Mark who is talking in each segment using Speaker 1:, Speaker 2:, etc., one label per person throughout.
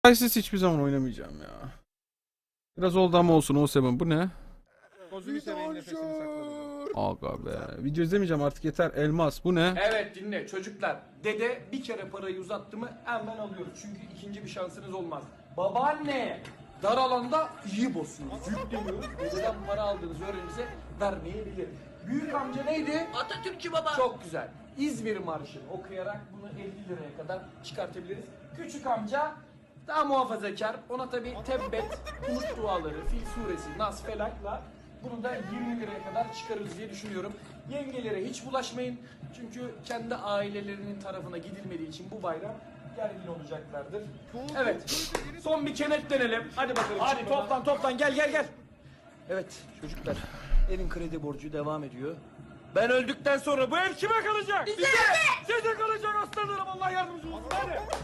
Speaker 1: Crysis hiçbir zaman oynamayacağım ya. Biraz oldu ama olsun o sebep. Bu ne? Gözünü seveyim nefesini sakladım. Aga be. Video izlemeyeceğim artık yeter. Elmas bu ne?
Speaker 2: Evet dinle çocuklar. Dede bir kere parayı uzattı mı hemen alıyoruz. Çünkü ikinci bir şansınız olmaz. Babaanne dar alanda iyi basıyoruz. Yükleniyoruz. Dededen para aldığınız öğrenimize vermeyebilir. Büyük amca neydi?
Speaker 3: Atatürkçü baba.
Speaker 2: Çok güzel. İzmir Marşı'nı okuyarak bunu 50 liraya kadar çıkartabiliriz. Küçük amca daha muhafazakar. Ona tabi tebbet, umut duaları, Fil suresi, Nas, Felak'la bunu da 20 liraya kadar çıkarırız diye düşünüyorum. Yengelere hiç bulaşmayın. Çünkü kendi ailelerinin tarafına gidilmediği için bu bayram gergin olacaklardır. Evet. Son bir kenetlenelim. Hadi bakalım. Hadi toplan gel. Evet çocuklar. Evin kredi borcu devam ediyor. Ben öldükten sonra bu ev kime kalacak? Bize! Size kalacak aslanlarım, Allah yardımcınız olsun.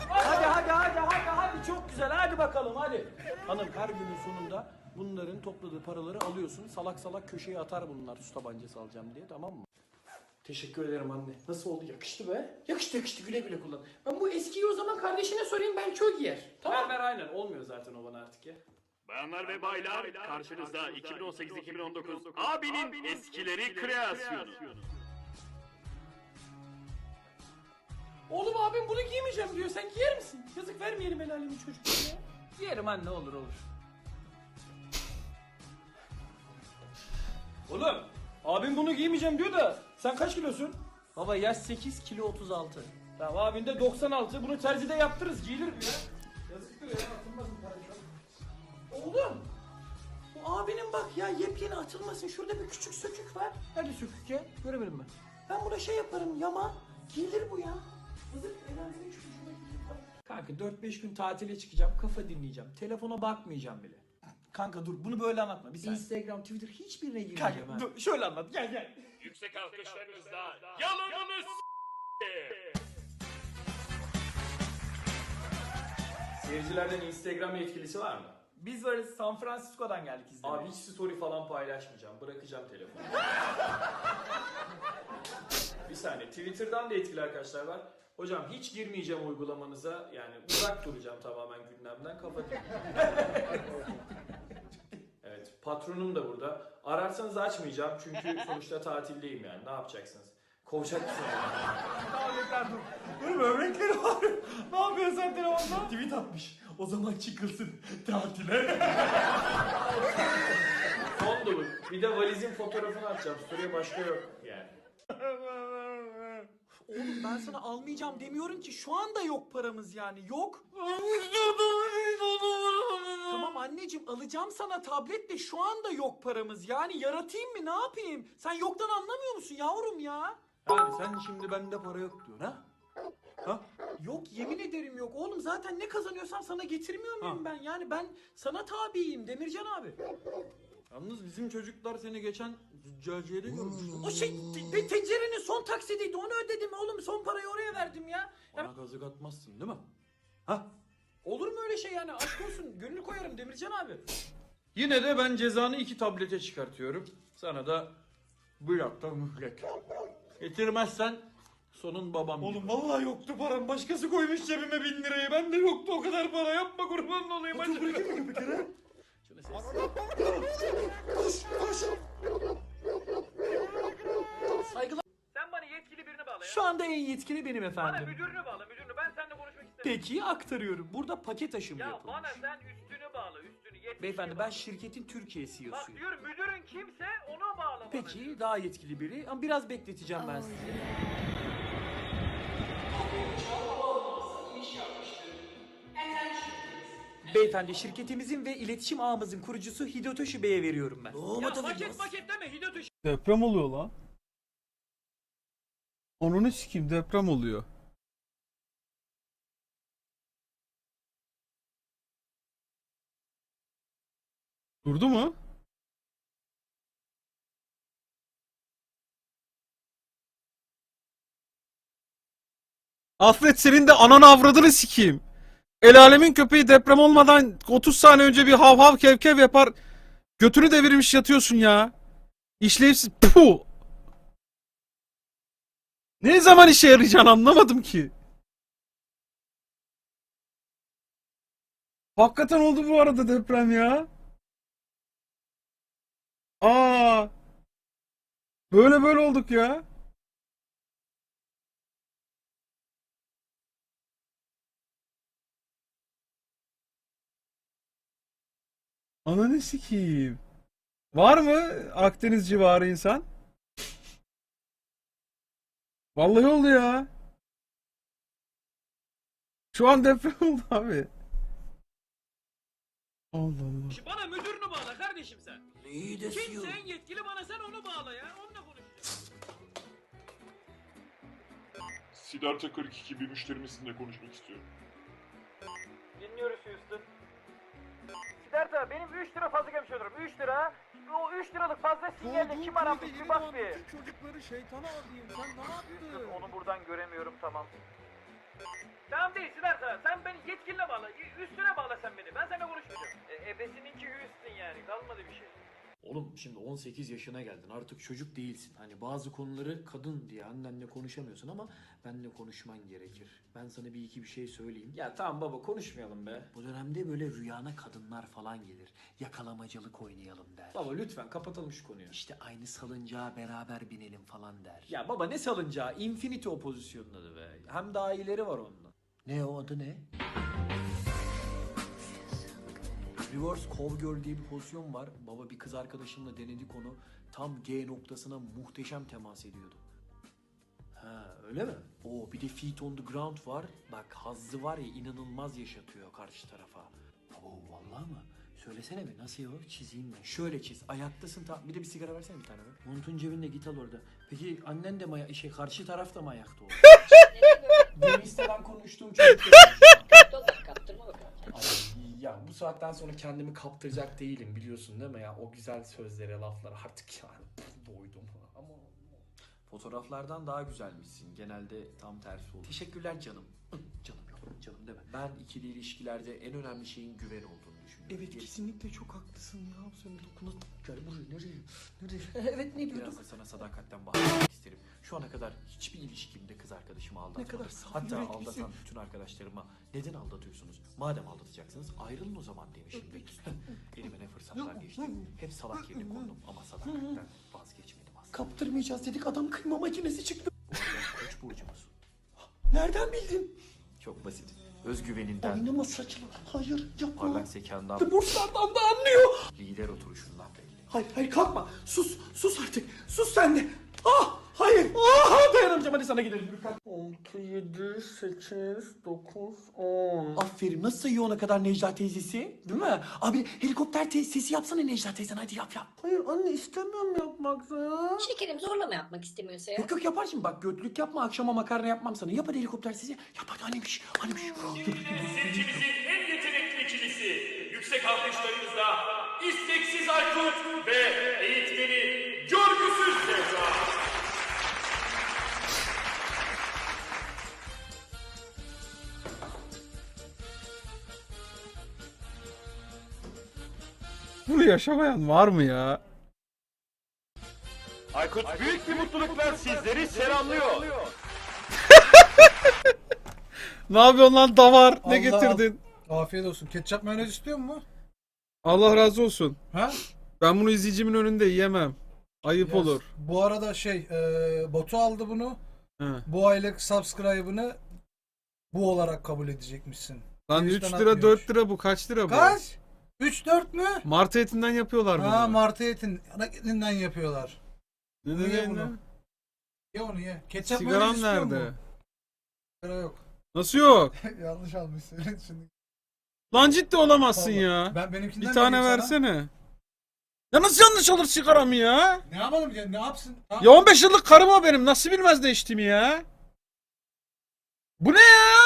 Speaker 2: Hadi çok güzel, hadi bakalım hadi. Hanım her günün sonunda bunların topladığı paraları alıyorsun. Salak salak köşeye atar bunlar su tabancası alacağım diye, tamam mı? Teşekkür ederim anne. Nasıl oldu? Yakıştı be. Yakıştı, güle güle kullan. Ben bu eskiyi o zaman kardeşine sorayım, belki o giyer. Tamam. Ver aynen, olmuyor zaten o bana artık ya.
Speaker 4: Bayanlar ve baylar, karşınızda 2018-2019 abinin eskileri kreasyonu.
Speaker 2: Oğlum abim bunu giymeyeceğim diyor. Sen giyer misin? Yazık, vermeyelim el alemin çocuklarına ya. Giyerim anne, olur. Oğlum abim bunu giymeyeceğim diyor da sen kaç kilosun? Baba yaş 8 kilo 36. Tamam abin de 96. Bunu terzide yaptırırız, giyilir bu ya. Yazıktır ya, atılmaz bu para şu an. Oğlum bu abinin bak ya, yepyeni atılmasın. Şurada bir küçük sökük var. Nerede sökük ya? Göremedim ben. Ben buna şey yaparım, yama. Giyilir bu ya. Yazık, el alemin çocuğuna giyilir. Kanka 4-5 gün tatile çıkacağım. Kafa dinleyeceğim. Telefona bakmayacağım bile. Kanka dur, bunu böyle anlatma. Bir Instagram, Twitter hiçbirine girmeyeceğim. Kanka dur, şöyle anlat. Gel.
Speaker 4: Yüksek alkışlarınızla yalanınız
Speaker 2: Seyircilerden Instagram yetkilisi var mı? Biz varız. San Francisco'dan geldik izlemeye. Abi hiç story falan paylaşmayacağım. Bırakacağım telefonu. Bir saniye. Twitter'dan da etkili arkadaşlar var. Hocam hiç girmeyeceğim uygulamanıza. Yani uzak duracağım tamamen gündemden. Kapatayım. Evet. Patronum da burada. Ararsanız açmayacağım. Çünkü sonuçta tatildeyim yani. Ne yapacaksınız? Kovacak mısınız? Tamam yeter dur. Dur, böbrekleri var. Ne yapıyorsun sen telefonda? Tweet atmış. O zaman çıkılsın tatile. Son dolu. Bir de valizin fotoğrafını atacağım. Story'e başka yok yani.
Speaker 3: Oğlum ben sana almayacağım demiyorum ki, şu anda yok paramız yani, yok. Tamam anneciğim, alacağım sana tablet de şu anda yok paramız yani, yaratayım mı, ne yapayım? Sen yoktan anlamıyor musun yavrum ya?
Speaker 2: Yani sen şimdi bende para yok diyorsun ha? Ha?
Speaker 3: Yok, yemin ederim yok oğlum, zaten ne kazanıyorsam sana getirmiyor muyum ben? Yani ben sana tabiyim Demircan abi.
Speaker 2: Yalnız bizim çocuklar seni geçen züccaciyede görmüştü.
Speaker 3: O şey tencerenin son taksidiydi, onu ödedim oğlum, son parayı oraya verdim ya.
Speaker 2: Bana kazık atmazsın değil mi? Ha?
Speaker 3: Olur mu öyle şey yani, aşk olsun, gönül koyarım Demircan abi.
Speaker 2: Yine de ben cezanı 2 tablete çıkartıyorum. Sana da bir hafta mühlet. Getirmezsen sonun babam. Oğlum vallahi yoktu param. Başkası koymuş cebime 1000 lirayı. Ben de yoktu o kadar para. Yapma, kurban olayım. Hadi bırakayım mı bir kere? Şunu
Speaker 3: Saygılar.
Speaker 5: Sen bana yetkili birini bağla ya.
Speaker 3: Şu anda en yetkili benim
Speaker 5: Bana
Speaker 3: efendim.
Speaker 5: müdürünü bağla, müdürünü. Ben seninle konuşmak istemiyorum.
Speaker 3: Peki aktarıyorum. Burada paket aşımı
Speaker 5: Ya
Speaker 3: yapılmış.
Speaker 5: bana sen üstünü bağla, üstünü. Yetkili
Speaker 3: Beyefendi, ben
Speaker 5: bağla.
Speaker 3: şirketin Türkiye
Speaker 5: Bak
Speaker 3: CEO'suyum.
Speaker 5: diyorum, müdürün kimse ona bağla bana.
Speaker 3: Peki daha yetkili biri, ama biraz bekleteceğim ben sizi. Beyefendi, şirketimizin ve iletişim ağımızın kurucusu Hidotoshi Bey'e veriyorum ben.
Speaker 5: Ya paket deme, Hidotoshi.
Speaker 1: Deprem oluyor lan. Onunu sikeyim, deprem oluyor. Durdu mu? Alfred, senin de ananı avradını sikeyim. El alemin köpeği deprem olmadan 30 saniye önce bir hav hav kev kev yapar. Götünü devirmiş yatıyorsun ya. İşlevsiz. Puh. Ne zaman işe yarayacağını anlamadım ki. Hakikaten oldu bu arada deprem ya. Aa. Böyle olduk ya. Ananı sikeyim. Var mı Akdeniz civarı insan? Vallahi oldu ya. Şu an deprem oldu abi. Allah Allah.
Speaker 5: Bana müdürünü bağla kardeşim sen.
Speaker 2: İyi de
Speaker 5: Kimse en yetkili bana sen onu bağla ya. Onunla konuş.
Speaker 6: Siddhartha 42 bir müşterimizle konuşmak istiyorum.
Speaker 5: Dinliyoruz Houston. Siddhartha benim 3 lira fazla gelmiş olurum. 3 lira. O 3 liralık fazla sinyalle kim aramış bir bak bir.
Speaker 1: Çocukları şeytana alayım. Sen ne yaptın?
Speaker 5: Onu buradan göremiyorum tamam. Tamam değil Siddhartha. Sen beni yetkiline bağla. Üstüne bağla sen beni. Ben seninle konuşmayacağım. Ebesininki Houston yani. Kalmadı bir şey.
Speaker 2: Oğlum şimdi 18 yaşına geldin artık çocuk değilsin. Hani bazı konuları kadın diye annenle konuşamıyorsun ama benle konuşman gerekir. Ben sana bir iki bir şey söyleyeyim.
Speaker 3: Ya tamam baba konuşmayalım be.
Speaker 2: Bu dönemde böyle rüyana kadınlar falan gelir. Yakalamacılık oynayalım der.
Speaker 3: Baba lütfen kapatalım şu konuyu.
Speaker 2: İşte aynı salıncağa beraber binelim falan der.
Speaker 3: Ya baba ne salıncağı? Infinity o pozisyonun adı be. Hem daha iyileri var onunla.
Speaker 2: Ne o adı ne? Reverse Cowgirl diye bir pozisyon var. Baba bir kız arkadaşımla denedik onu. Tam G noktasına muhteşem temas ediyordu. Ha öyle mi? Oo bir de Feet on the Ground var. Bak hazzı var ya inanılmaz yaşatıyor karşı tarafa. Oo vallahi mı? Söylesene bir nasıl o? Çizeyim ben. Şöyle çiz. Ayaktasın bir de bir sigara versene bir tane be. Montun cebinde git al orada. Peki annen de mi karşı taraf da mı ayakta oldu? Deniz'den konuştuğum çocuk.
Speaker 7: Kaptırma bakalım.
Speaker 2: Ay, ya bu saatten sonra kendimi kaptıracak değilim biliyorsun değil mi ya? O güzel sözlere, laflara artık yani doydum. Ama fotoğraflardan daha güzelmişsin. Genelde tam tersi olur. Teşekkürler canım. Canım yok, canım deme. Ben ikili ilişkilerde en önemli şeyin güven olduğunu düşünüyorum. Evet kesinlikle çok haklısın ya. Sen dokuna gel buraya nereye? Evet ne diyorduk? Biraz da sana sadakatten bahsetmek isterim. Şu ana kadar hiçbir ilişkimde kız arkadaşımı aldatmadım. Ne kadar saf hatta aldatan bütün arkadaşlarıma neden aldatıyorsunuz? Madem aldatacaksınız ayrılın o zaman demişimdir. Elime ne fırsatlar geçti. Hep salak yerine kondum ama sadakatten vazgeçmedim aslında. Kaptırmayacağız dedik adam kıyma makinesi çıktı. Bu arada Koç burcumuz. Nereden bildin? Çok basit. Özgüveninden. Oynama saçma. Hayır yapma. Parlak zekandan. Burslardan da anlıyor. Lider oturuşundan belli. Hayır kalkma. Sus artık. Sus sen de. Ah hayır. Ah dayanamayacağım hadi sana gidelim. 6, 7, 8, 9, 10. Aferin nasıl sayıyor ona kadar Necla teyzesi? Değil mi? Abi helikopter sesi yapsana Necla teyzen hadi yap. Hayır anne istemiyorum yapmak ya.
Speaker 7: Şekerim zorlama yapmak istemiyorsa ya.
Speaker 2: Yok yapar şimdi bak götlük yapma akşama makarna yapmam sana. Yap hadi helikopter sesi. Yap hadi annemiş.
Speaker 4: Seçimizin en yetenekli ikilisi. Yüksek alkışlarınızla isteksiz Aykut ve eğitmeni Görgüsüz Zehra.
Speaker 1: Bunu yaşamayan var mı ya?
Speaker 4: Aykut büyük bir mutlulukla sizleri selamlıyor.
Speaker 1: Ne yapıyorsun lan davar? Ne
Speaker 8: Allah
Speaker 1: getirdin?
Speaker 8: Afiyet olsun. Ketçap mayonez istiyor mu?
Speaker 1: Allah razı olsun.
Speaker 8: Ha?
Speaker 1: Ben bunu izleyicimin önünde yiyemem. Ayıp
Speaker 8: Yes.
Speaker 1: olur.
Speaker 8: Bu arada Batu aldı bunu.
Speaker 1: He.
Speaker 8: Bu aylık subscribe'ını bu olarak kabul edecekmişsin.
Speaker 1: Lan 3
Speaker 8: Twitch'ten
Speaker 1: lira
Speaker 8: atmıyormuş.
Speaker 1: 4 lira bu kaç lira bu?
Speaker 8: Kaç? 3-4 mü?
Speaker 1: Martı etinden yapıyorlar bunu.
Speaker 8: Ha martı etin. Ana etinden yapıyorlar.
Speaker 1: Ne
Speaker 8: Bunu ye
Speaker 1: ne
Speaker 8: bunu.
Speaker 1: ne?
Speaker 8: Ye onu ye. Ketçap
Speaker 1: Sigaram
Speaker 8: mayonez istiyor
Speaker 1: nerede?
Speaker 8: mu? Sigara yok.
Speaker 1: Nasıl yok?
Speaker 8: Yanlış almışsın şimdi.
Speaker 1: Lan ciddi olamazsın
Speaker 8: Vallahi.
Speaker 1: ya.
Speaker 8: Ben benimkinden
Speaker 1: Bir tane
Speaker 8: vereyim sana.
Speaker 1: versene. Ya nasıl yanlış alır sigaramı ya?
Speaker 8: Ne yapalım ya? Ne yapsın?
Speaker 1: Ya 15 yıllık karım o benim. Nasıl bilmez de içtiğimi ya? Bu ne ya?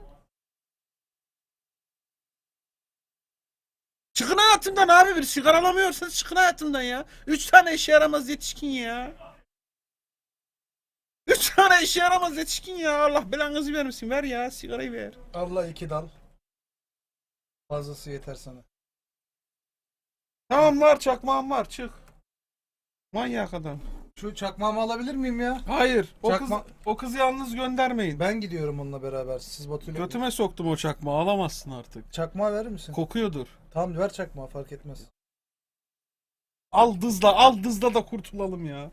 Speaker 1: Çıkın hayatımdan abi bir sigara alamıyorsanız çıkın hayatımdan ya. 3 tane işe yaramaz yetişkin ya. 3 tane işe yaramaz yetişkin ya. Allah belanızı vermesin. Ver ya sigarayı ver.
Speaker 8: Allah 2 dal. Fazlası yeter sana.
Speaker 1: Tamam var çakmağım var çık. Manyak adam.
Speaker 8: Şu çakmağımı alabilir miyim ya?
Speaker 1: Hayır.
Speaker 8: Çakma-
Speaker 1: O kızı yalnız göndermeyin.
Speaker 8: Ben gidiyorum onunla beraber. Siz Batu'yla...
Speaker 1: Götüme soktum o çakmağı. Alamazsın artık.
Speaker 8: Çakmağı verir misin?
Speaker 1: Kokuyordur.
Speaker 8: Tamam ver çakmağı, fark etmez.
Speaker 1: Al dızla da kurtulalım ya.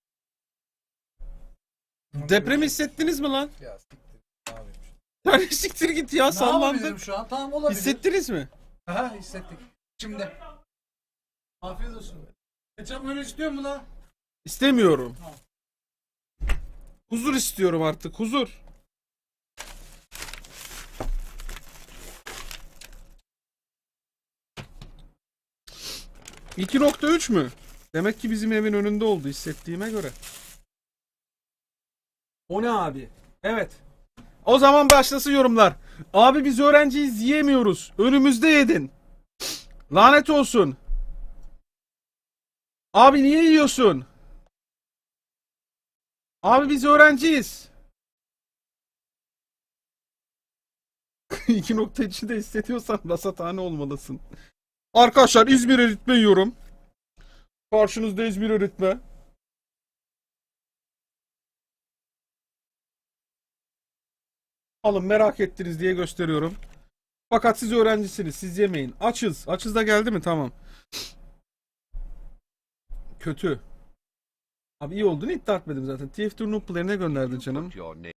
Speaker 1: Depremi hissettiniz mi lan?
Speaker 8: Ya siktir. Ne yapayım şimdi?
Speaker 1: Yani siktir git ya,
Speaker 8: Ne
Speaker 1: sallandık.
Speaker 8: yapabilirim şu an? Tamam, olabilir.
Speaker 1: Hissettiniz mi?
Speaker 8: Aha, hissettik. Şimdi. Afiyet olsun. Ketçap öyle istiyor mu lan?
Speaker 1: İstemiyorum. Huzur istiyorum artık, huzur. ...2.3 mü? Demek ki bizim evin önünde oldu hissettiğime göre. O ne abi? Evet. O zaman başlasın yorumlar. Abi biz öğrenciyiz, yiyemiyoruz. Önümüzde yedin. Lanet olsun. Abi niye yiyorsun? Abi biz öğrenciyiz. 2.3'ü de hissediyorsan rasathane olmalısın. Arkadaşlar İzmir eritme yiyorum. Karşınızda İzmir eritme. Alın, merak ettiniz diye gösteriyorum. Fakat siz öğrencisiniz, siz yemeyin. Açız. Açız da geldi mi? Tamam. Kötü. Abi iyi olduğunu iddia etmedim zaten. TF2 Noob Player'ine gönderdin canım.